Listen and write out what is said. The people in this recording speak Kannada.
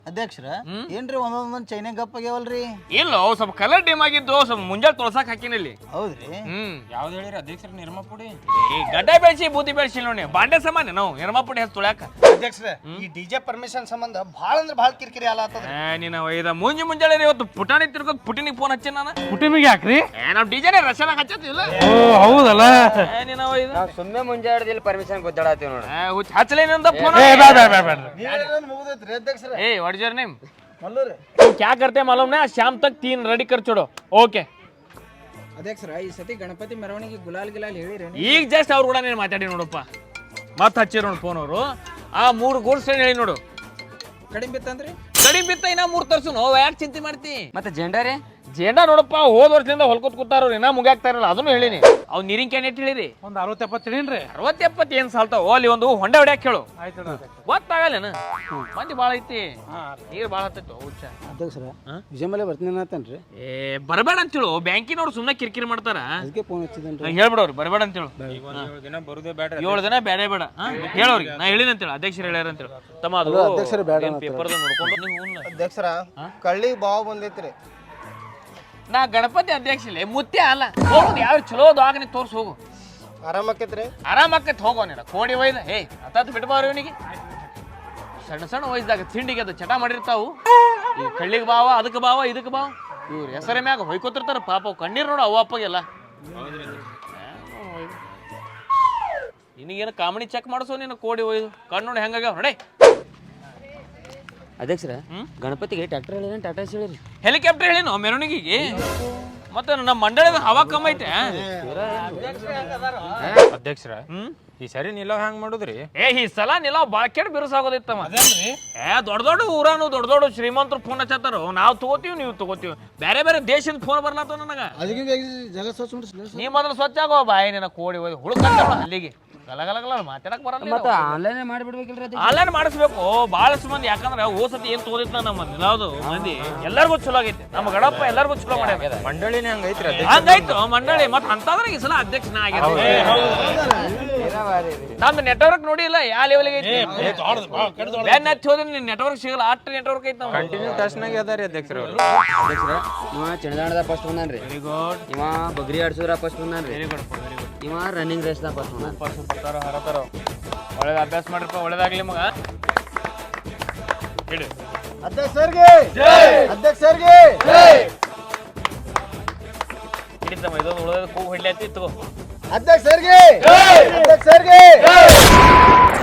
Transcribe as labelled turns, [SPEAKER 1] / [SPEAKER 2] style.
[SPEAKER 1] ಅಧ್ಯಕ್ಷರ ಏನ್ರಿ ಒಂದೊಂದ್ ಚೈನೆ ಗಪ್ ಆಗ್ಯಾವಲ್ರಿ?
[SPEAKER 2] ಇಲ್ಲ ಸ್ವಲ್ಪ ಕಲರ್ ಡಿಮ್ ಆಗಿದ್ದು ಸ್ವಲ್ಪ ಮುಂಜಾನೆ ತೊಳಸಾಕ್ ಹಾಕಿನ ಇಲ್ಲಿ.
[SPEAKER 1] ಹೌದ್ರಿ?
[SPEAKER 3] ಯಾವ್ದು ಹೇಳಿರಿ ಅಧ್ಯಕ್ಷರ? ನಿರ್ಮಾ ಪುಡಿ
[SPEAKER 2] ಗಡ್ಡ ಬೆಳೆಸಿ ಬೂದಿ ಬೆಳೆಸಿ ನೋಡಿ ಬಾಂಡೆ ಸಾಮಾನ್ಯ ನಾವು ನಿರ್ಮಾ ಪುಡಿ ಹೆಚ್ಚು ತೊಳ್ಯಾಕ.
[SPEAKER 4] ಅಧ್ಯಕ್ಷರ ಈ ಡಿಜೆ ಪರ್ಮಿಷನ್ ಸಂಬಂಧ ಭಾಳ ಅಂದ್ರೆ ಭಾಳ ಕಿರಿಕಿರಿ ಆಲಾತದ.
[SPEAKER 2] ನೀನು ಒಯ್ದ ಮುಂಜಾನೆ ಇವತ್ತು ಪುಟಾಣಿ ತಿರ್ಗೋಕ್ ಪುಟಿನಿಗೆ ಫೋನ್ ಹಚ್ಚಿ ನಾನು.
[SPEAKER 3] ಪುಟಿನಿಗೆ ಯಾಕ್ರಿ?
[SPEAKER 2] ನಾವು ಡಿಜೆನೆ ರಶನಾಗ ಹಚ್ಚತ್ತಿಲ್ಲ.
[SPEAKER 3] ಹೌದಲ್ಲ
[SPEAKER 2] ನೀನು ಒಯ್ದ
[SPEAKER 5] ಸುಮ್ಮನೆ ಮುಂಜಾಡ್ದಿಲ್ಲ ಪರ್ಮಿಷನ್ ಗೊತ್ತಾಡತ್ತೀವಿ ನೋಡಿ.
[SPEAKER 2] ಹಚ್ಚಲೇನಂದ ಫೋನ್.
[SPEAKER 4] ಮುಗಿದೈತ್ರಿ ಅಧ್ಯಕ್ಷರ.
[SPEAKER 2] ए what is your name?
[SPEAKER 4] Malluri.
[SPEAKER 2] क्या करते हैं मालूम ना? शाम तक 3 रेडी कर छोड़ो. ओके.
[SPEAKER 6] ಅಧ್ಯಕ್ಷರ ಈ ಸತಿ ಗಣಪತಿ ಮೆರವಣಿಗೆ ಗುಲಾಲ್ ಹೇಳಿರಿ?
[SPEAKER 2] ಈಗ ಜಸ್ಟ್ ಅವ್ರು ಕೂಡ ನೀನು ಮಾತಾಡಿ ನೋಡಪ್ಪ. ಮತ್ತೆ ಹಚ್ಚಿರ ನೋಡಿ ಫೋನ್ ಅವರು. ಆ 3 ಗೋಲ್ಡ್ ಸ್ಟೇನ್ ಹೇಳಿ ನೋಡು.
[SPEAKER 6] ಕಡಿಮೆ ಬಿತ್ತಂದ್ರಿ?
[SPEAKER 2] ಕಡಿಮೆ ಬಿತ್ತ ಇನ್ನ 3 ತರ್ಸು. ಯಾಕೆ ಚಿಂತೆ ಮಾಡ್ತಿ?
[SPEAKER 5] ಮತ್ತೆ ಜೆಂಡಾರಿ
[SPEAKER 2] ಜೇಂಡಾ ನೋಡಪ್ಪ ಹೋದ ವರ್ಷದಿಂದ ಹೊಲ್ಕೊತ್ ಕೂತಾರ ಇನ್ನ ಮುಗ್ಯಾಕ್ತಾ ಇರಲ್ಲ. ಅದನ್ನು ಹೇಳಿನಿ. ಅವ್ ನೀರಿನ ಕ್ಯಾನ್ ಎಟ್ ಹೇಳಿರಿ?
[SPEAKER 3] ಒಂದು 60-70 ಹೇಳಿನ್ರಿ.
[SPEAKER 2] 60-70 ಏನ್ ಸಾಲ್ತಾವ? ಅಲ್ಲಿ ಒಂದು ಹೊಂಡೆ ಹೊಡ್ಯಾಕ ಹೇಳು. ಗೊತ್ತಾಗಲ್ಲೇನ? ಮಂದಿ ಭಾಳ ಐತಿ, ನೀರು ಭಾಳ ಹತ್ತೈತಿ. ಹುಚ್ಚ
[SPEAKER 4] ಅಧ್ಯಕ್ಷರ ವಿಜಯ ಮೇಲೆ ಬರ್ತೀನಿ ಅಂತೇನ್ರಿ?
[SPEAKER 2] ಬರಬೇಡ ಅಂತೇಳು. ಬ್ಯಾಂಕಿನವ್ರು ಸುಮ್ಮನೆ ಕಿರಿಕಿರಿ ಮಾಡ್ತಾರ.
[SPEAKER 4] ಅದಕ್ಕೆ ಫೋನ್ ಹಚ್ಚಿದೇನ್ರಿ.
[SPEAKER 2] ಹೇಳ್ಬಿಡವ್ರಿ ಬರಬೇಡ ಅಂತೇಳು.
[SPEAKER 3] 7 ದಿನ ಬರುದೇ ಬೇಡ.
[SPEAKER 2] 7 ದಿನ ಬೇಡ ಬೇಡ ಹೇಳೋರಿಗೆ. ನಾ ಹೇಳಿನ ಅಂತೇಳಿ ಅಧ್ಯಕ್ಷರು ಹೇಳ್ಯಾರ ಅಂತೇಳಿ. ತಮ್ಮ ಅದು
[SPEAKER 4] ಅಧ್ಯಕ್ಷರು ಬೇಡ
[SPEAKER 2] ಪೇಪರ್ದ ನೋಡ್ಕೊಂಡು ನೀವು
[SPEAKER 4] ಅಧ್ಯಕ್ಷರ ಕಳ್ಳಿಗೆ ಬಾವು ಬಂದೈತ್ರಿ.
[SPEAKER 2] ನಾ ಗಣಪತಿ ಅಧ್ಯಕ್ಷ ಇಲ್ಲ, ಮುತ್ಯ ಅಲ್ಲ. ಹೋಗುದು ಯಾವ ಚಲೋ ದವಾಖಾನೆ ತೋರ್ಸಿ ಹೋಗು.
[SPEAKER 4] ಆರಾಮಕ್ಕೈತ್ರಿ?
[SPEAKER 2] ಆರಾಮಕ್ಕೈತಿ ಹೋಗೋ ನೀನು. ಕೋಡಿ ಒಯ್ದ ಹತ್ತತ್ತು ಬಿಟ್ಬಾರ ಇವನಿಗೆ. ಸಣ್ಣ ಸಣ್ಣ ವಯಸ್ಸದಾಗ ತಿಂಡಿಗೆ ಅದು ಚಟ ಮಾಡಿರ್ತಾವು. ಈ ಕಳ್ಳಿಗೆ ಬಾವ, ಅದಕ್ಕೆ ಬಾವ, ಇದಕ್ಕೆ ಬಾವ. ಇವ್ರು ಹೆಸರೇ ಮ್ಯಾಗ ಹೊಯ್ಕೋತಿರ್ತಾರ ಪಾಪ. ಕಣ್ಣೀರು ನೋಡು ಅವ ಅಪ್ಪಗೆಲ್ಲ. ನಿನಗೇನು ಕಾಮಿಡಿ ಚೆಕ್ ಮಾಡಿಸೋ ನೀನು. ಕೋಡಿ ಒಯ್ದು ಕಣ್ಣು ನೋಡಿ ಹೆಂಗಾಗ್ಯಾವ ಹೊಡೆ.
[SPEAKER 5] ಅಧ್ಯಕ್ಷರ ಗಣಪತಿಗೆ ಟ್ರ್ಯಾಕ್ಟರ್ ಹೇಳಿರಿ ಟಾಟಾ ಹೇಳಿರಿ?
[SPEAKER 2] ಹೆಲಿಕಾಪ್ಟರ್ ಹೇಳಿನೋ ಮೆರವಣಿಗೆಗೆ. ಮತ್ತೆ ನಮ್ಮ ಮಂಡಳದ ಹವಾ ಕಮ್ಮ ಐತೆ.
[SPEAKER 3] ಅಧ್ಯಕ್ಷರ ಈ ಸರಿ ನಿಲ್ಲೋ ಹ್ಯಾಂಗ್ ಮಾಡುದ್ರಿ?
[SPEAKER 2] ಈ ಸಲ ನಿಲ್ಲ ಬಾಳ ಕೆಟ್ಟ ಬಿರುಸಾಗೋದಿತ್ತಮ್ಮ. ದೊಡ್ಡ ದೊಡ್ಡ ಊರಾನು ದೊಡ್ಡ ದೊಡ್ಡ ಶ್ರೀಮಂತರು ಫೋನ್ ಹಚ್ಚತ್ತಾರ. ನಾವು ತಗೋತೀವಿ, ನೀವು ತಗೋತೀವಿ. ಬೇರೆ ಬೇರೆ ದೇಶದ ಫೋನ್ ಬರ್ಲಾತ ನನಗ.
[SPEAKER 4] ಜಗತ್ ಸ್ವಚ್ಛ
[SPEAKER 2] ನೀ ಮೊದಲು ಸ್ವಚ್ಛ ಆಗೋ ಬಾಯಿ. ನಿನ್ನ ಕೋಡಿ ಹೋಗಿ ಹುಡುಕಲ್ಲ ಅಲ್ಲಿಗೆ. ಗಲಗಲಗಲ ಮಾತಾಡಕ್ ಬರಲ್ಲ.
[SPEAKER 5] ಮತ್ತೆ ಆನ್ಲೈನ್ ಮಾಡಿಬಿಡ್ಬೇಕಿಲ್ರಿ?
[SPEAKER 2] ಆನ್ಲೈನ್ ಮಾಡಿಸ್ಬೇಕು ಬಹಳಷ್ಟು ಮಂದಿ. ಯಾಕಂದ್ರೆ ಹೋಸತಿ ಏನ್ ತೋದಿತ್ತ ನಮ್ಮ ಯಾವ್ದು ಮಂದಿ ಎಲ್ಲರಿಗೂ ಚಲೋ ಆಗೈತಿ. ನಮ್ಮ ಗಣಪ ಎಲ್ಲರಿಗೂ ಚಲೋ ಮಾಡ್ಯಾರ.
[SPEAKER 3] ಮಂಡಳಿನೇ ಹಂಗೈತ್ರಿ?
[SPEAKER 2] ಹಂಗಾಯ್ತು ಮಂಡಳಿ. ಮತ್ತೆ ಅಂತಂದ್ರೆ ಈ ಸಲ ಅಧ್ಯಕ್ಷನ ಆಗಿರ್ತೀವಿ. ನಮ್ದು ನೆಟ್ವರ್ಕ್ ನೋಡಿ ಇಲ್ಲ ಯಾವ ಲೆವೆಲ್ಗೆ ಐತಿ. ಬ್ಯಾನ್ ಹಚ್ಚಿ ಹೋದ್ರೆ ನಿನ್ ನೆಟ್ವರ್ಕ್ ಸಿಗಲ್ಲ. ಅಷ್ಟು ನೆಟ್ವರ್ಕ್ ಐತಿ. ನಾವು
[SPEAKER 3] ಕಂಟಿನ್ಯೂ ಟಚ್ನಾಗ ಅದಾರಿ ಅಧ್ಯಕ್ಷರ.
[SPEAKER 5] ಅಧ್ಯಕ್ಷರ ಇವ ಚಣದಾಣದ ಫಸ್ಟ್ ಬಂದಾನ್ರಿ.
[SPEAKER 2] Very good.
[SPEAKER 5] ಇವ ಬಗ್ರಿ ಆಡ್ಸೋದ್ರ ಫಸ್ಟ್ ಬಂದಾನ್ರಿ.
[SPEAKER 2] Very good very good.
[SPEAKER 5] ಇವ ರನ್ನಿಂಗ್ ರೇಸ್ ದಾಗ ಫಸ್ಟ್ ಬಂದಾನ.
[SPEAKER 2] ಹರತಾರ ಒಳ್ಳೇದು ಅಭ್ಯಾಸ ಮಾಡ್ರಪ್ಪ. ಒಳ್ಳೇದಾಗ್ಲಿ ಮಗ. ಹೇಳಿ
[SPEAKER 4] ಅಧ್ಯಕ್ಷರಿಗೆ ಅಧ್ಯಕ್ಷರಿಗೆ
[SPEAKER 2] ಹಿಡಿತಮ್ಮ. ಇದೊಂದು ಉಳಿದ ಕೂಗು ಹೊಡ್ಲಿ ತಗೋ.
[SPEAKER 4] ಅಧ್ಯಕ್ಷರಿಗೆ ಅಧ್ಯಕ್ಷರಿಗೆ